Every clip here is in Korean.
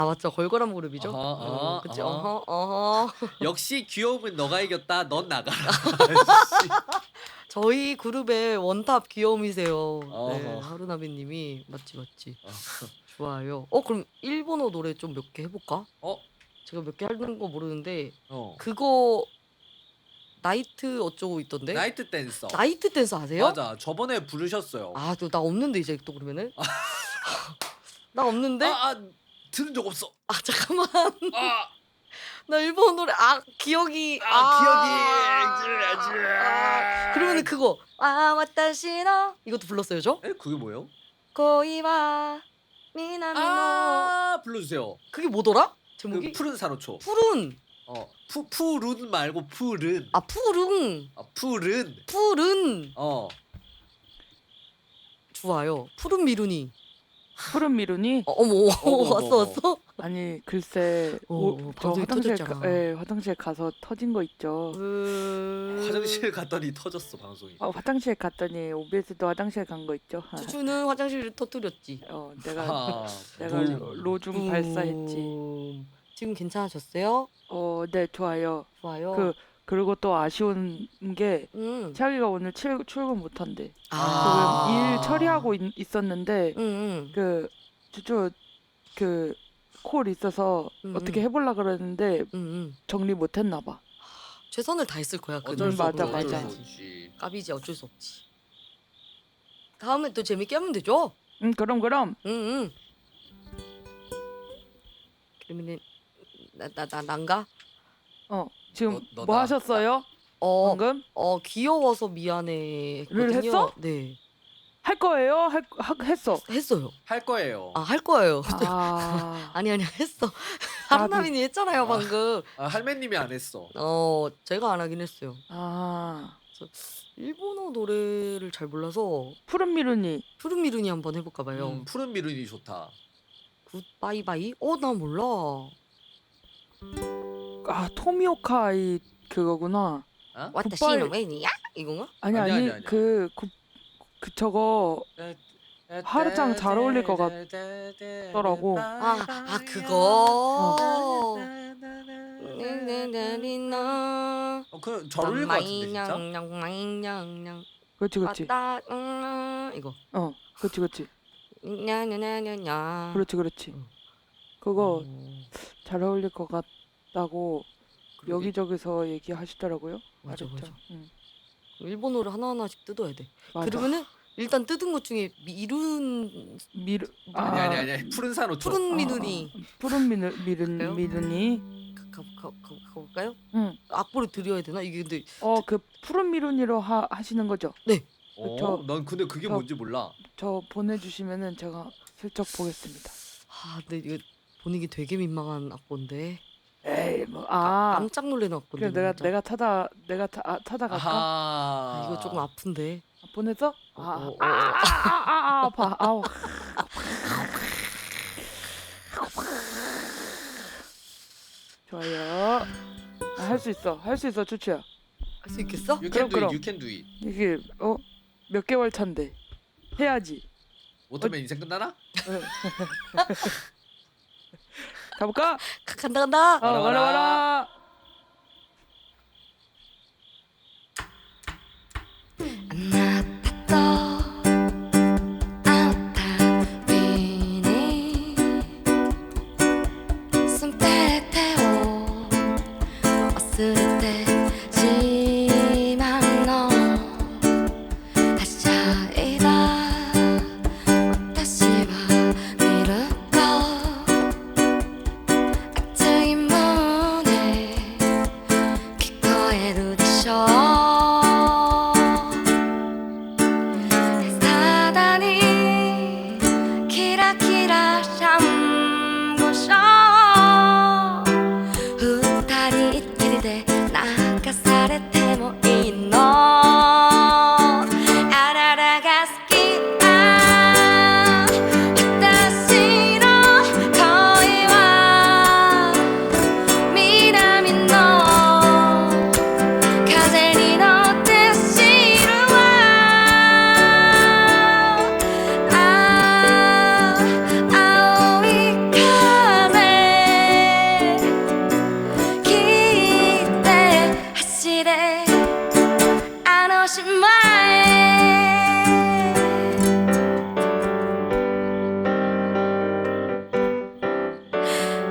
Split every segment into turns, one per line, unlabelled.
아 맞죠. 걸걸한 무릎이죠. 그치. 어허.
역시 귀여움은 너가 이겼다. 넌 나가라. 씨.
저희 그룹의 원탑 귀여움이세요. 네.
어허.
하루나비 님이. 맞지.
어.
좋아요. 그럼 일본어 노래 좀 몇 개 해 볼까?
어?
제가 몇 개 하는 거 모르는데
어.
그거 나이트 어쩌고 있던데?
나이트 댄서.
나이트 댄스 아세요?
맞아. 저번에 부르셨어요.
아, 또 나 없는데 이제 또 그러면은? 나 없는데?
들은 적 없어.
잠깐만.
아,
나 일본 노래 기억이 그러면은 그거 와타시노 이것도 불렀어요, 저?
에? 그게 뭐예요?
고이와 미나미노
불러주세요.
그게 뭐더라?
그
제목이?
푸른 산호초.
푸른.
푸른 말고 푸른.
푸른.
푸른.
푸른.
좋아요.
푸른 미루니.
푸른 미루니?
어머. 왔어?
아니 글쎄 저
방송이 터졌잖아.
화장실 가서 터진 거 있죠.
화장실 갔더니 터졌어 방송이.
화장실 갔더니 OBS도 화장실 간 거 있죠.
주주는 화장실을 터뜨렸지.
내가
붐.
로중 발사했지.
지금 괜찮아졌어요?
네 좋아요. 그리고 또 아쉬운 게 차기가 오늘 출근 못 한대. 일 처리하고 있었는데 주주 콜 있어서 어떻게 해보려 그랬는데 정리 못 했나 봐.
최선을 다했을 거야.
어쩔 수
맞아.
없지.
까비지 어쩔 수 없지. 다음에 또 재밌게 하면 되죠.
그럼.
그러면은 난가?
지금
너다.
뭐 하셨어요? 방금?
귀여워서 미안해 했거든요.
했어?
네.
할 거예요? 했어.
했어요.
할 거예요.
할 거예요. 아니 했어. 하루나민이 했잖아요 방금.
할매님이 안 했어.
제가 안 하긴 했어요. 일본어 노래를 잘 몰라서
푸른 미루니.
푸른 미루니 한번 해볼까 봐요.
푸른 미룬이 좋다.
굿바이바이? 나 몰라.
토미오카이 그거구나.
와타시노 메니야? 이건가?
아니. 저거 하루짱 잘 어울릴 것 같더라고.
그거.
그 잘 어울릴 것 같은데 진짜.
그렇지.
이거.
그렇지.
냐냐냐냐냐.
그렇지. 그거 잘 어울릴 것 같다고 여기저기서 얘기하시더라고요.
맞아.
응.
일본어를 하나하나씩 뜯어야 돼.
맞아.
그러면은 일단 뜯은 것 중에
아니 푸른 산호초.
푸른 미누니.
푸른 미루니.
가볼까요?
응.
악보를 드려야 되나? 이게 근데
그 푸른 미루니로 하시는 거죠?
네.
난 근데 그게 뭔지 몰라.
저 보내주시면은 제가 슬쩍 보겠습니다.
근데 이거 보내기 되게 민망한 악보인데.
에이
깜짝 놀래는 악보인데.
그래 내가 찾아갈까?
이거 조금 아픈데.
보내서? 아파. 아우. 좋아요. 할 수 있어 추추야.
할 수 있겠어?
You can do
그럼.
it. You can do it.
이게 몇 개월 차인데 해야지.
못하면 인생 끝나나?
가볼까?
간다.
와라.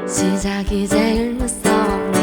시작이 제일 무서운